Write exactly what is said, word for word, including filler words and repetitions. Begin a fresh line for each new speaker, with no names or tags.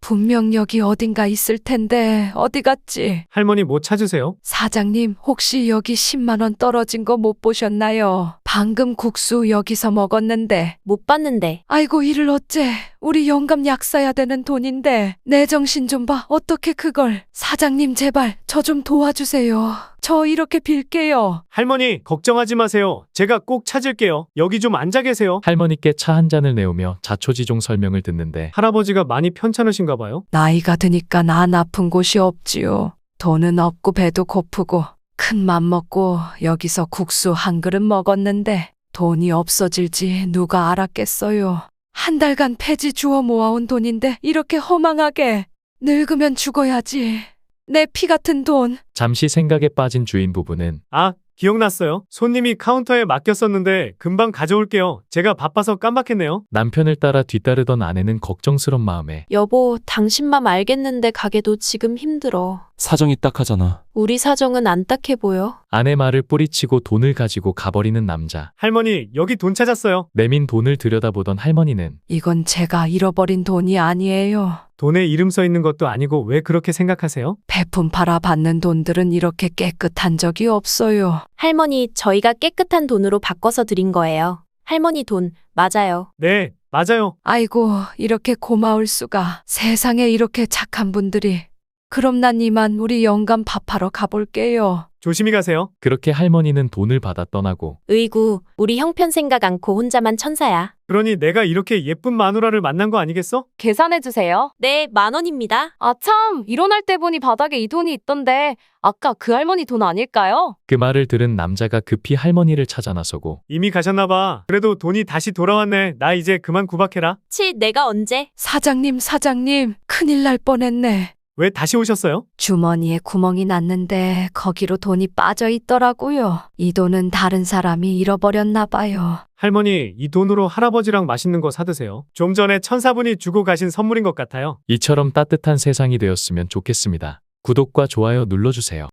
분명 여기 어딘가 있을 텐데 어디 갔지?
할머니 뭐 찾으세요?
사장님, 혹시 여기 십만 원 떨어진 거 못 보셨나요? 방금 국수 여기서 먹었는데.
못 봤는데.
아이고, 이를 어째. 우리 영감 약 사야 되는 돈인데. 내 정신 좀 봐. 어떻게 그걸. 사장님, 제발 저 좀 도와주세요. 저 이렇게 빌게요.
할머니 걱정하지 마세요. 제가 꼭 찾을게요. 여기 좀 앉아 계세요.
할머니께 차 한 잔을 내오며 자초지종 설명을 듣는데
할아버지가 많이 편찮으신가 봐요.
나이가 드니까 안 아픈 곳이 없지요. 돈은 없고 배도 고프고 큰 맘 먹고 여기서 국수 한 그릇 먹었는데 돈이 없어질지 누가 알았겠어요. 한 달간 폐지 주워 모아온 돈인데 이렇게 허망하게. 늙으면 죽어야지. 내 피 같은 돈.
잠시 생각에 빠진 주인 부부는
아, 기억났어요. 손님이 카운터에 맡겼었는데 금방 가져올게요. 제가 바빠서 깜빡했네요.
남편을 따라 뒤따르던 아내는 걱정스런 마음에
여보, 당신 맘 알겠는데 가게도 지금 힘들어.
사정이 딱하잖아.
우리 사정은 안 딱해 보여.
아내 말을 뿌리치고 돈을 가지고 가버리는 남자.
할머니 여기 돈 찾았어요.
내민 돈을 들여다보던 할머니는
이건 제가 잃어버린 돈이 아니에요.
돈에 이름 써 있는 것도 아니고 왜 그렇게 생각하세요?
배품 팔아 받는 돈들은 이렇게 깨끗한 적이 없어요.
할머니, 저희가 깨끗한 돈으로 바꿔서 드린 거예요. 할머니 돈, 맞아요.
네, 맞아요.
아이고, 이렇게 고마울 수가. 세상에 이렇게 착한 분들이. 그럼 난 이만 우리 영감 밥하러 가볼게요.
조심히 가세요.
그렇게 할머니는 돈을 받아 떠나고
으이구, 우리 형편 생각 않고 혼자만 천사야.
그러니 내가 이렇게 예쁜 마누라를 만난 거 아니겠어?
계산해주세요.
네, 만 원입니다.
아, 참, 일어날 때 보니 바닥에 이 돈이 있던데 아까 그 할머니 돈 아닐까요?
그 말을 들은 남자가 급히 할머니를 찾아 나서고
이미 가셨나 봐. 그래도 돈이 다시 돌아왔네. 나 이제 그만 구박해라.
치, 내가 언제?
사장님, 사장님, 큰일 날 뻔했네.
왜 다시 오셨어요?
주머니에 구멍이 났는데 거기로 돈이 빠져 있더라고요. 이 돈은 다른 사람이 잃어버렸나 봐요.
할머니, 이 돈으로 할아버지랑 맛있는 거 사드세요. 좀 전에 천사분이 주고 가신 선물인 것 같아요.
이처럼 따뜻한 세상이 되었으면 좋겠습니다. 구독과 좋아요 눌러주세요.